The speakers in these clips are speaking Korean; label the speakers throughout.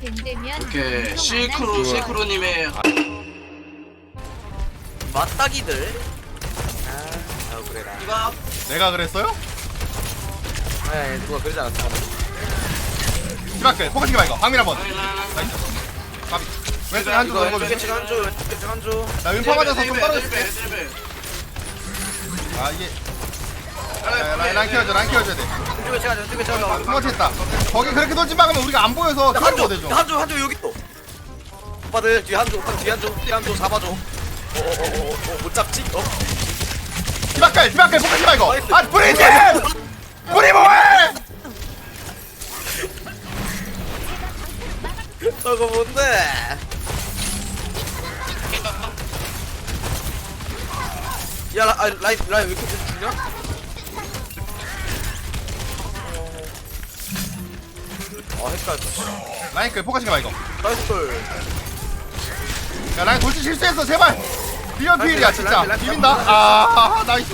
Speaker 1: 된다면
Speaker 2: 이렇게 실크로님의
Speaker 3: 맞다기들. 아, 그래라.
Speaker 2: 이가
Speaker 4: 내가 그랬어요?
Speaker 3: 네, 누가 그러지 않았어.
Speaker 4: 디바클 포커싱 봐 이거 방밀 한번
Speaker 2: 라인라인
Speaker 4: 나이스 가비 왼쪽에 한줄
Speaker 3: 이거
Speaker 4: 넘어줘
Speaker 3: 왼쪽에 한 줄, 왼쪽에 한 줄.
Speaker 4: 나 왼파 맞아서 좀 떨어질게 아 이게 라인 키워줘 돼
Speaker 3: 왼쪽에 제가
Speaker 4: 투머치 했다 거기 그렇게 돌지 막으면 우리가 안 보여서 그걸 못해줘
Speaker 3: 한 줄 여기 또. 오빠들 뒤에 한 줄, 오빠 뒤에 한 줄 잡아줘. 못 잡지?
Speaker 4: 디바클 포커싱 봐 이거 아 브리지 브리 뭐해
Speaker 3: 저거 뭔데? 야, 라인 왜 이렇게 죽냐? 헷갈렸어.
Speaker 4: 라인클 포커싱 봐 이거
Speaker 3: 나이스.
Speaker 4: 야 라인 돌진 실수했어 제발 비언 필이야 진짜
Speaker 3: 라인,
Speaker 4: 비빈다 아 나이스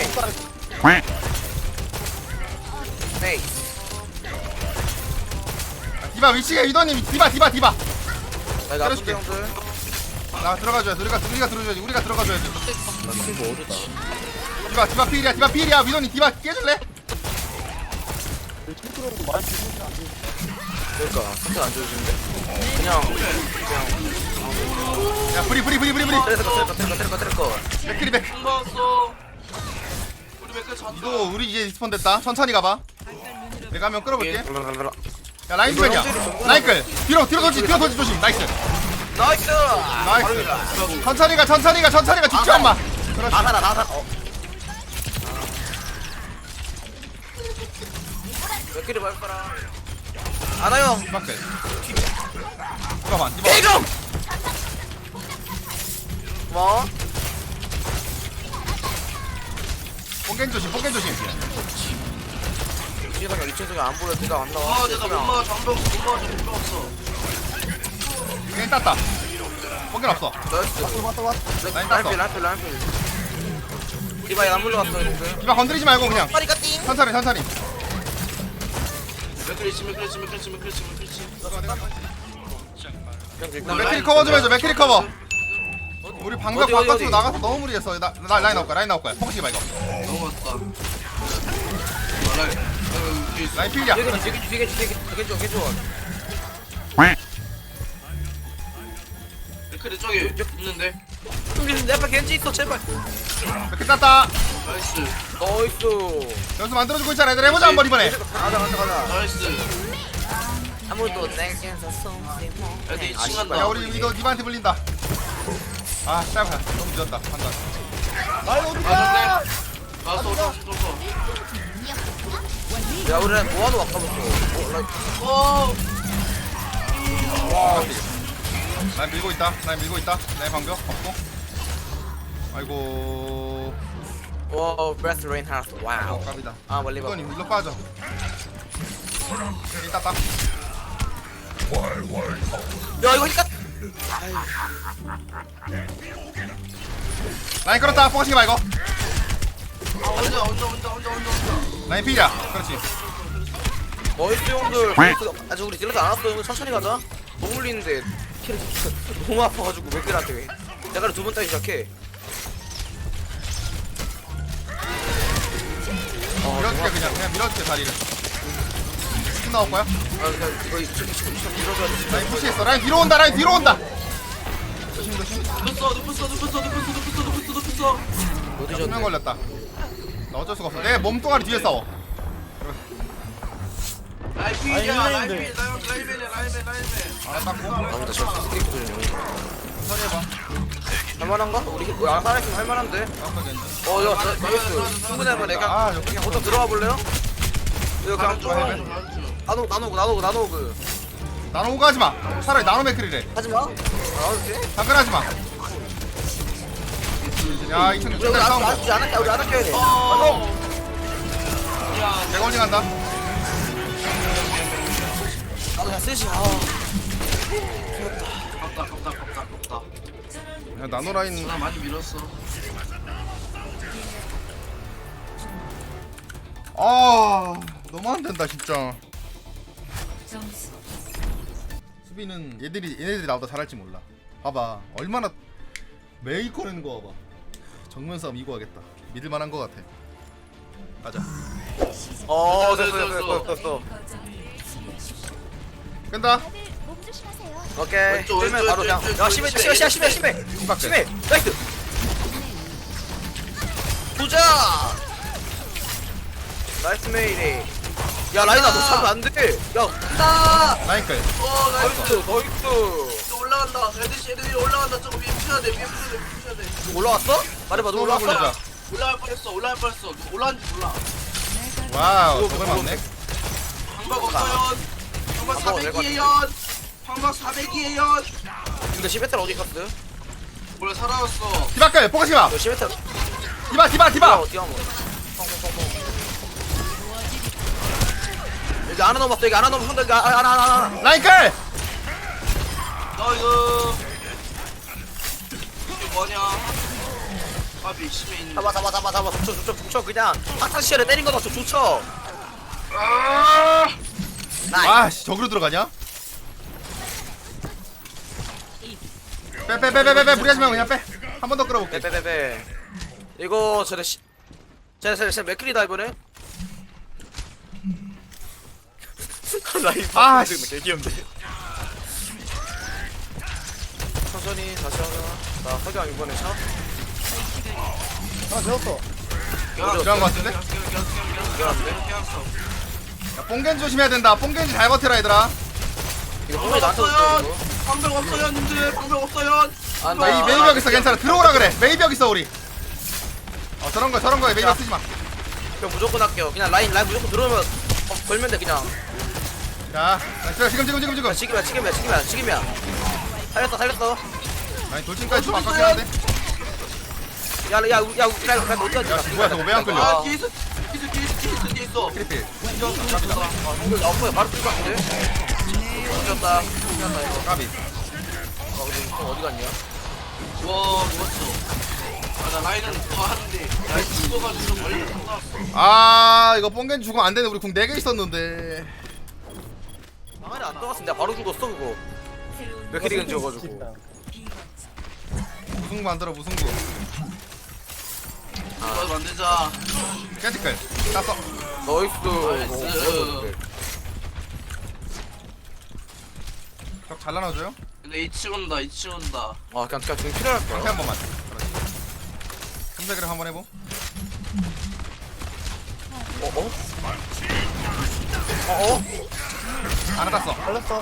Speaker 3: 네.
Speaker 4: 디바 위치가 위도님 디바
Speaker 3: 나 이거
Speaker 4: 그렇지.
Speaker 3: 아픈데 형들.
Speaker 4: 나 들어가줘야 돼 우리가 들어가줘야지 우리가 들어가줘야지
Speaker 3: 나 친구 어디다?
Speaker 4: 디바 필이야 위도님 디바 깨줄래?
Speaker 3: 그러니까 선택 안 줘주는데. 그냥
Speaker 4: 야 브리
Speaker 3: 때려거.
Speaker 4: 맥크리 백
Speaker 2: 먹었어. 우리 맥크 잤다.
Speaker 4: 위도 우리 이제 리스폰 됐다 천천히 가봐 내가 한명 끌어볼게 야 라인
Speaker 3: 이거
Speaker 4: 주변이야
Speaker 3: 형들이
Speaker 4: 라인클 뒤로 돌지 조심 나이스
Speaker 3: 나이스.
Speaker 4: 나이스 천천히 가 죽지 않마 그렇지
Speaker 3: 다 살아. 몇 개를 말 거라. 안아요.
Speaker 4: 디바클 디바
Speaker 3: 대금. 뭐?
Speaker 4: 뽕겐 조심
Speaker 3: 이층석이 이층석이 안 보여. 네가 안 나와.
Speaker 2: 내가 못 막아 장벽 못 막아 장벽 없어.
Speaker 4: 뽕겐 땄다 뽕겐 없어
Speaker 3: 나이스.
Speaker 4: 라인 땄어
Speaker 3: 라인필. 디바이 안 물러갔어 이제.
Speaker 4: 디바 건드리지 말고 그냥
Speaker 3: 파리가 띵.
Speaker 4: 천천히
Speaker 2: 맥크리치.
Speaker 4: 나 맥크리 커버 좀 해줘 맥크리 커버 우리 방벽
Speaker 3: 어디?
Speaker 4: 바깥으로 나가서 너무 무리했어 나 라인 나올 거야 포커싱 봐 이거
Speaker 2: 넘어갔다.
Speaker 4: 라인 필이야
Speaker 3: 되게 좋아.
Speaker 2: 맥크리 저기 있는데.
Speaker 3: 내 앞에 겐지 있어 제발.
Speaker 4: 맥크리 땄다
Speaker 2: 나이스.
Speaker 3: 나이스.
Speaker 4: 여기서 만들어주고 있잖아 얘들 해보자 한번 이번에
Speaker 3: 가자.
Speaker 2: 나이스.
Speaker 3: 아무도 내게서 손대
Speaker 2: 애들
Speaker 3: 아,
Speaker 2: 2층 간다.
Speaker 4: 야 우리 이거 니바한테 불린다 아 짧아 너무 늦었다 판단 라인 어디가
Speaker 2: 쏘.
Speaker 3: 야 우리 뭐하러 아까부터.
Speaker 4: 라인 밀고 있다 라인 방벽 없고 아이고
Speaker 3: 와 브레스 레인 하우스 와우.
Speaker 4: 깝이다
Speaker 3: 아 멀리 봐.
Speaker 4: 이건 일로 빠져 여기 땄다
Speaker 3: 야 이거 힐까.
Speaker 4: 라인 끌었다 포커싱 봐 이거
Speaker 2: 혼자.
Speaker 4: 라인 필이야 그렇지
Speaker 3: 나이스 형들. 아직 우리 딜러도 안 왔어. 형들 천천히 가자. 너무 물리는데 너무 아파가지고 맥들한테 내가 두 번 따기 시작해.
Speaker 4: 밀어줄게 그냥 밀어줄게 다리를 신 나올 거야?
Speaker 3: 아 그냥 이거 밀어줘야 돼.
Speaker 4: 라인 푸시했어 라인 뒤로 온다 조심
Speaker 2: 눕혔어.
Speaker 3: 어디
Speaker 4: 수명
Speaker 3: 졌네.
Speaker 4: 걸렸다 나 어쩔 수가 없어 내 몸뚱아리 뒤에 싸워
Speaker 2: 라이필.
Speaker 4: 라인맨
Speaker 2: 아,
Speaker 4: 닦고
Speaker 3: 아무튼 저 스크립트 좀
Speaker 4: 천천히 해봐
Speaker 3: 할만한가? 우리 살아있으면 할만한데.
Speaker 4: 깎아 겐지
Speaker 3: 야 나이스. 충분히 할만. 내가
Speaker 4: 아 여기
Speaker 3: 그냥 호텔 들어와 볼래요? 이거 그냥
Speaker 2: 좀.
Speaker 3: 나노
Speaker 4: 나노 오가 하지마 차라리 나노 맥크리래
Speaker 3: 하지마. 나노지?
Speaker 4: 잠깐 하지마 야 2층
Speaker 3: 우리
Speaker 4: 중간 싸움
Speaker 3: 우리 안 할게 돼.
Speaker 4: 대걸링 한다
Speaker 3: 나도 그냥 쓰시.
Speaker 2: 깝다.
Speaker 4: 야 나노 라인
Speaker 2: 나 많이 밀었어.
Speaker 4: 아 너무 안 된다 진짜
Speaker 1: 점수
Speaker 4: 수비는 얘네들이 나보다 잘할지 몰라. 봐봐 얼마나 매일 꺼내는 거 봐봐. 정면 싸움 이거하겠다. 믿을만한 거 같아. 가자.
Speaker 3: 됐어.
Speaker 4: 끈다.
Speaker 1: 몸 조심하세요.
Speaker 3: 오케이.
Speaker 2: 왼쪽,
Speaker 3: 쫄면
Speaker 2: 왼쪽,
Speaker 3: 바로 그냥.
Speaker 2: 왼쪽,
Speaker 3: 야,
Speaker 2: 왼쪽,
Speaker 3: 심해.
Speaker 2: 왼쪽.
Speaker 3: 심해. 나이스. 보자. 나이스 메이리. 야, 라인아, 너 잡으면 안 돼. 야, 간다.
Speaker 4: 라인클.
Speaker 2: 나이스.
Speaker 3: 나이스.
Speaker 2: 또 올라간다. 애들이 올라간다. 저거 위에 푸셔야 돼. 위에 푸셔야 돼.
Speaker 3: 올라왔어? 말해봐, 너 올라왔어?
Speaker 4: 올라가.
Speaker 2: 올라갈 뻔했어. 올라간지 몰라.
Speaker 4: 와우 저걸 맞네.
Speaker 2: 방박 없어요. 방박 400이에요. 방박 400이에요.
Speaker 3: 근데 시베텔 어디 갔어?
Speaker 2: 원래 살아왔어.
Speaker 4: 디바클 포커싱아.
Speaker 3: 너 시베텔
Speaker 4: 디바.
Speaker 3: 어디야 뭐? 여기 하나 넘었어. 여기 하나 넘었어. 여기 하나.
Speaker 4: 라인클.
Speaker 2: 이거 이게 뭐냐? 밥이 심해 있는.
Speaker 3: 잡아. 붙여. 그냥 파타시아를 때린 거다. 좋죠.
Speaker 2: 아!
Speaker 3: 나이스.
Speaker 4: 아씨 저기로 들어가냐? 빼 무리하지 말고 그냥 빼. 한 번 더 끌어볼게.
Speaker 3: 빼. 이거 쟤네 맥클이다 이번에. 라이브
Speaker 4: 아, 씨.
Speaker 3: 개 귀엽네. 천천히 다시 하자. 나 석양 이번에 샷.
Speaker 4: 이런 거 같은데? 야, 뽕겐지 조심해야 된다. 뽕겐지 잘 버텨라 얘들아.
Speaker 3: 이거 뽕이 나한테 왔어 이거.
Speaker 2: 방벽 없어요, 님들. 방벽 없어요.
Speaker 4: 이 메이벽 있어 괜찮아. 들어오라 그래. 메이벽 있어 우리. 저런 거에 메이벽 쓰지 마.
Speaker 3: 그냥 무조건 할게요. 그냥 라인 무조건 들어오면 걸면 돼 그냥.
Speaker 4: 자, 지금.
Speaker 3: 지금이야. 살렸어.
Speaker 4: 아니 돌진까지 좀 아깝긴 한데.
Speaker 3: 야, 우리 어디 가지?
Speaker 4: 뭐야 저거 왜 안 끌려?
Speaker 2: 아, 뒤에 있어.
Speaker 4: 크리필.
Speaker 3: 형들 아파요. 바로 뛸것 같은데. 이겼다 이거.
Speaker 4: 까비.
Speaker 3: 근데 형 어디 갔냐?
Speaker 2: 와, 누웠어. 나 라인은 더 하는데. 라인 죽어가지고 멀리 갔다 왔어.
Speaker 4: 아 이거 뽕겐지 죽으면 안 되네. 우리 궁 4개 있었는데.
Speaker 3: 방안에 안 떠갔으면 내가 바로 죽었어 그거. 몇 캐릭은 지어가지고.
Speaker 4: 무승부 만들어 무승부.
Speaker 2: 이거 만들자.
Speaker 4: 깨지클. 땄어.
Speaker 3: 나이스.
Speaker 4: 벽잘 나눠줘요.
Speaker 2: 근데 2층 온다.
Speaker 3: 아 그냥 좀 필요할
Speaker 4: 상태
Speaker 3: 거야.
Speaker 4: 한 번만. 그렇지. 300을 한번 해보. 하나 땄어.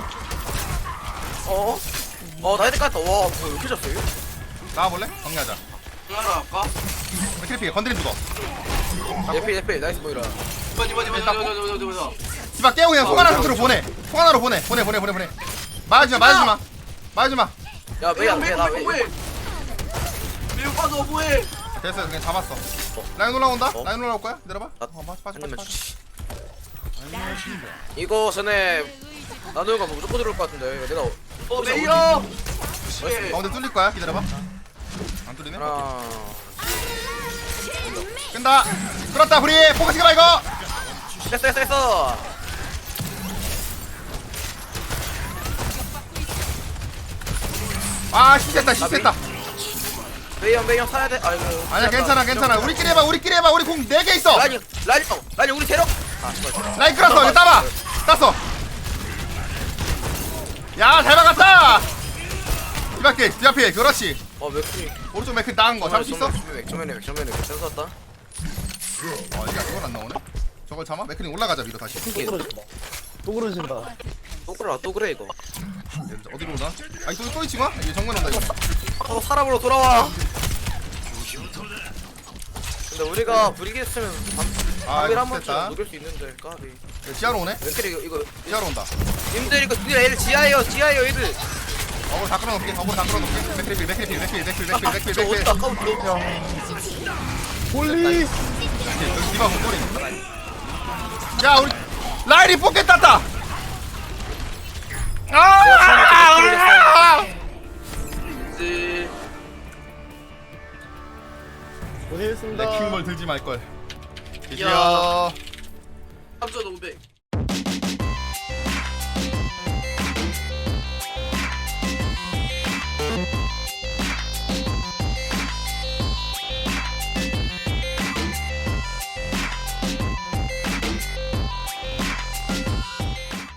Speaker 3: 나 헤드 깠다. 와, 왜 이렇게 졌어요?
Speaker 4: 나와볼래? 정리하자.
Speaker 2: 하나 할까?
Speaker 4: 크리필 건드림 죽어.
Speaker 3: 예피, 나이스 보이라.
Speaker 2: 이봐.
Speaker 4: 디바 깨고 그냥 송하나 상태로 보내. 송하나로 보내. 맞아주마.
Speaker 3: 야, 메이야, 나 메이.
Speaker 2: 매우 빠져 뭐해?
Speaker 4: 됐어 그냥 잡았어. 라인 올라온다? 라인 올라올 거야? 기다려봐. 빠져.
Speaker 3: 이거 전에 나노가 뭐 무조건 들어올 것 같은데. 내가
Speaker 2: 메이요.
Speaker 4: 가운데 뚫릴 거야? 기다려봐. 안 뚫리네?
Speaker 3: 하나.
Speaker 4: 끈다. 끌었다 브리. 포커싱 해봐 이거.
Speaker 3: 됐어.
Speaker 4: 아 시됐다.
Speaker 3: 메이 형 사야 돼. 아이고.
Speaker 4: 아니야 괜찮아. 우리끼리 해봐. 우리 궁 4개 있어.
Speaker 3: 라인 우리 데려. 아, 씨발.
Speaker 4: 라인 끌었어. 이거 따봐. 땄어. 야 잘 막았다. 디바필 그렇지.
Speaker 3: 맥크리.
Speaker 4: 오른쪽 맥크 나은 거 잡을 수 있어?
Speaker 3: 맥정면에 괜찮았다.
Speaker 4: 이건 안 나오네. 저걸 참아? 맥크링 올라가자 위로 다시.
Speaker 5: 또 그러신다.
Speaker 3: 또 그래 이거.
Speaker 4: 어디로 오나? 아니 또 있지 마? 이거 정면 온다 이거.
Speaker 3: 사람으로 돌아와. 근데 우리가 브리겠으면
Speaker 4: 아
Speaker 3: 한
Speaker 4: 이거
Speaker 3: 번쯤
Speaker 4: 됐다.
Speaker 3: 녹일 수 있는데 까비.
Speaker 4: 지하로 오네?
Speaker 3: 맥크리 이거
Speaker 4: 지하로 온다.
Speaker 3: 님들 이거 애들 지하예요 애들.
Speaker 4: 어글 다 끌어놓을게. 맥크리필.
Speaker 3: 저 어디다 까부터.
Speaker 5: 홀리.
Speaker 4: 여기 디바 못 버리네. 야 우리 라인이 뽑겠 땄다.
Speaker 2: 이제
Speaker 5: 고생했습니다.
Speaker 4: 내 킹볼 들지 말걸.
Speaker 2: 야. 3,500.